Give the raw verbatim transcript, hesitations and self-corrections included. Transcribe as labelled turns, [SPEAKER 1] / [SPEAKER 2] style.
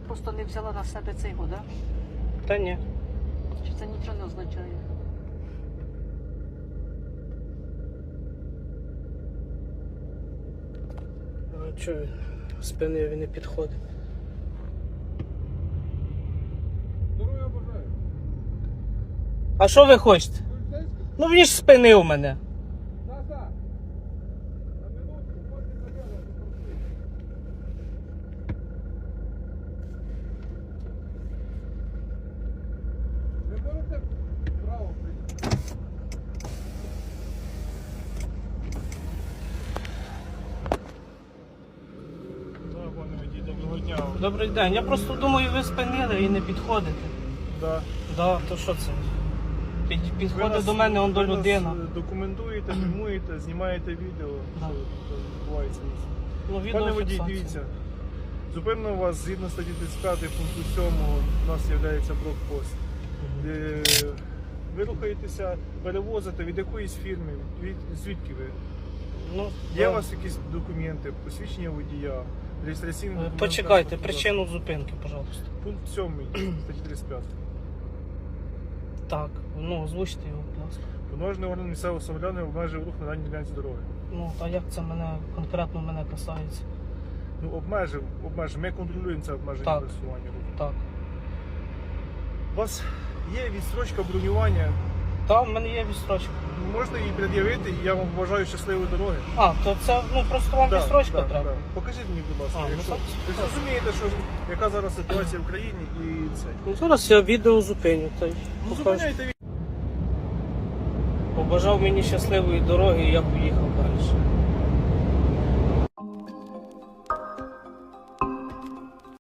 [SPEAKER 1] просто не взяла на себе цей год, да?
[SPEAKER 2] Та ні.
[SPEAKER 1] Чи це нічого не означає?
[SPEAKER 2] А чого він? Спинив і не підходить.
[SPEAKER 3] Здоров'я бажаю.
[SPEAKER 2] А що ви хочете?
[SPEAKER 3] Поліцейський?
[SPEAKER 2] Ну він ж спинив мене.
[SPEAKER 3] Назад. На минутку, можете забирати, попросити. Ви можете право прийти? Да, пане водій, доброго дня.
[SPEAKER 2] Добрий день. Я просто думаю, ви спинили і не підходите.
[SPEAKER 3] Да.
[SPEAKER 2] Да, то що це? Під,
[SPEAKER 3] Ви
[SPEAKER 2] підходить
[SPEAKER 3] нас-
[SPEAKER 2] до мене, он до
[SPEAKER 3] ви нас,
[SPEAKER 2] людина.
[SPEAKER 3] е, Документуєте, фільмуєте, знімаєте відео,
[SPEAKER 2] Да.
[SPEAKER 3] що тут відбувається.
[SPEAKER 2] Ну,
[SPEAKER 3] Пане водій,
[SPEAKER 2] відеофіксація.
[SPEAKER 3] дивіться. Зупинено вас згідно статті тридцять п'ять пункту сьомого, у нас є блокпост. Де ви рухаєтеся, перевозите від якоїсь фірми, від, звідки ви?
[SPEAKER 2] Ну,
[SPEAKER 3] Є
[SPEAKER 2] да.
[SPEAKER 3] у вас якісь документи, посвідчення водія, реєстраційний
[SPEAKER 2] Е,
[SPEAKER 3] документ?
[SPEAKER 2] Почекайте,
[SPEAKER 3] транспортного
[SPEAKER 2] причину зупинки, пожалуйста.
[SPEAKER 3] засобу? Пункт сьомий статті тридцять п'ять.
[SPEAKER 2] Так, ну озвучте його, будь ласка.
[SPEAKER 3] Повноважений орган місцевого самоврядування обмежує рух на даній ділянці дороги.
[SPEAKER 2] Ну, а як це мене конкретно мене касається?
[SPEAKER 3] Ну, обмежив, обмежив. Ми контролюємо це обмеження
[SPEAKER 2] Так.
[SPEAKER 3] пересування руху.
[SPEAKER 2] Так.
[SPEAKER 3] У вас є відстрочка бронювання,
[SPEAKER 2] Та, в мене є відстрочка.
[SPEAKER 3] можна її пред'явити, і я вам бажаю щасливої дороги.
[SPEAKER 2] А, то це, ну, просто вам
[SPEAKER 3] Да,
[SPEAKER 2] відстрочка
[SPEAKER 3] да,
[SPEAKER 2] треба?
[SPEAKER 3] да. Покажіть мені, будь ласка,
[SPEAKER 2] А, ну,
[SPEAKER 3] якщо
[SPEAKER 2] так.
[SPEAKER 3] ви ж розумієте, що яка зараз ситуація в країні і це.
[SPEAKER 2] Ну, зараз я відео зупиню, та й
[SPEAKER 3] Ну,
[SPEAKER 2] покажу.
[SPEAKER 3] зупиняйте від...
[SPEAKER 2] Побажав мені щасливої дороги і я поїхав далі.